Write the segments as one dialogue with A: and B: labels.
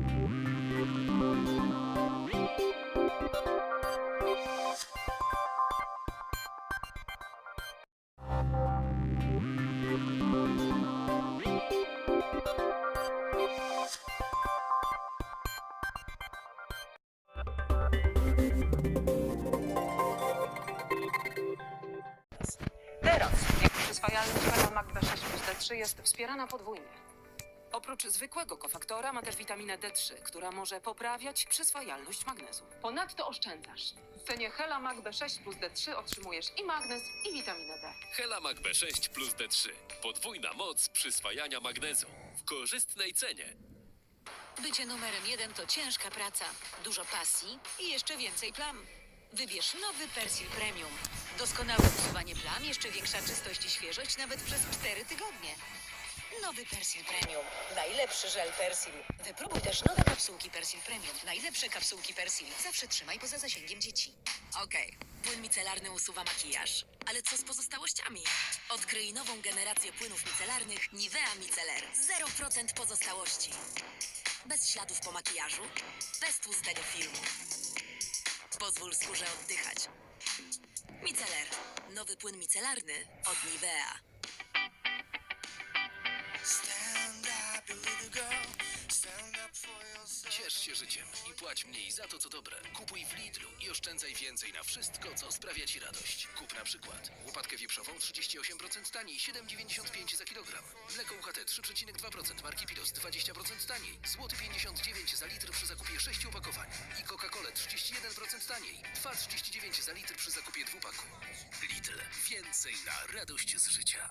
A: Teraz przyswajalność Helamak B6 plus D3 jest wspierana podwójnie.
B: Oprócz zwykłego kofaktora ma też witaminę D3, która może poprawiać przyswajalność magnezu.
A: Ponadto oszczędzasz. W cenie Helamak B6 plus D3 otrzymujesz i magnez, i witaminę D.
C: Helamak B6 plus D3. Podwójna moc przyswajania magnezu. W korzystnej cenie.
D: Bycie numerem 1 to ciężka praca, dużo pasji i jeszcze więcej plam. Wybierz nowy Persil Premium. Doskonałe usuwanie plam, jeszcze większa czystość i świeżość nawet przez 4 tygodnie. Nowy Persil Premium. Najlepszy żel Persil. Wypróbuj też nowe kapsułki Persil Premium. Najlepsze kapsułki Persil. Zawsze trzymaj poza zasięgiem dzieci. Okej. Płyn micelarny usuwa makijaż. Ale co z pozostałościami? Odkryj nową generację płynów micelarnych Nivea Micellar. 0% pozostałości. Bez śladów po makijażu. Bez tłustego filmu. Pozwól skórze oddychać. Micellar. Nowy płyn micelarny od Nivea.
C: Ciesz się życiem i płać mniej za to, co dobre. Kupuj w Lidlu i oszczędzaj więcej na wszystko, co sprawia Ci radość. Kup na przykład łopatkę wieprzową 38% taniej, 7,95 za kilogram. Mleko UHT 3,2% marki Pilos 20% taniej, złoty 59 za litr przy zakupie 6 opakowań. I Coca-Cola 31% taniej, 2,39 za litr przy zakupie 2 paku. Lidl. Więcej na radość z życia.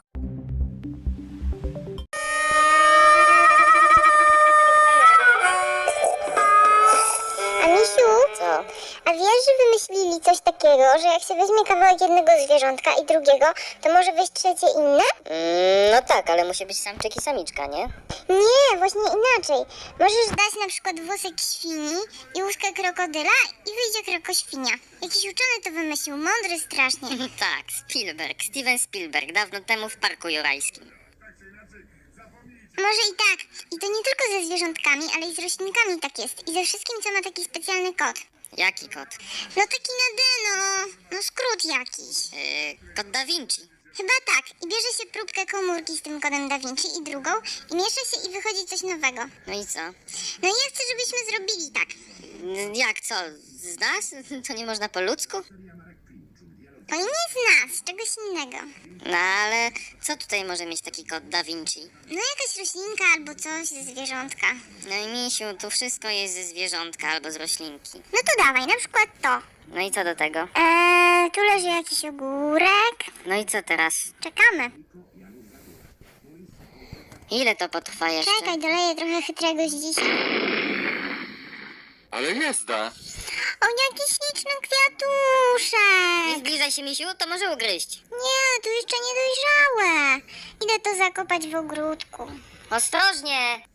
E: A Misiu,
F: Co?
E: a wiesz, że wymyślili coś takiego, że jak się weźmie kawałek jednego zwierzątka i drugiego, to może wyjść trzecie inne?
F: No tak, ale musi być samczyk i samiczka, nie?
E: Nie, właśnie inaczej. Możesz dać na przykład włosek świni i łuskę krokodyla i wyjdzie krokoświnia. Jakiś uczony to wymyślił, mądry strasznie.
F: Tak, Steven Spielberg, dawno temu w Parku Jurajskim.
E: Może i tak. I to nie tylko ze zwierzątkami, ale i z roślinkami tak jest. I ze wszystkim, co ma taki specjalny kod.
F: Jaki kot?
E: No taki na D, no skrót jakiś.
F: Kod Da Vinci.
E: Chyba tak. I bierze się próbkę komórki z tym kodem Da Vinci i drugą i miesza się i wychodzi coś nowego.
F: No i co?
E: No i ja chcę, żebyśmy zrobili tak.
F: Jak co? Z nas? To nie można po ludzku?
E: To nie z nas, z czegoś innego.
F: No ale co tutaj może mieć taki kod Da Vinci?
E: No jakaś roślinka albo coś ze zwierzątka.
F: No i misiu, tu wszystko jest ze zwierzątka albo z roślinki.
E: No to dawaj, na przykład to.
F: No i co do tego?
E: Tu leży jakiś ogórek.
F: No i co teraz?
E: Czekamy.
F: Ile to potrwa jeszcze?
E: Czekaj, doleję trochę chytrego z dzisiaj.
G: Ale jazda!
E: O, jaki śliczny kwiatuszek.
F: Nie zbliżaj się, misiu, to może ugryźć.
E: Nie, tu jeszcze niedojrzałe. Idę to zakopać w ogródku.
F: Ostrożnie!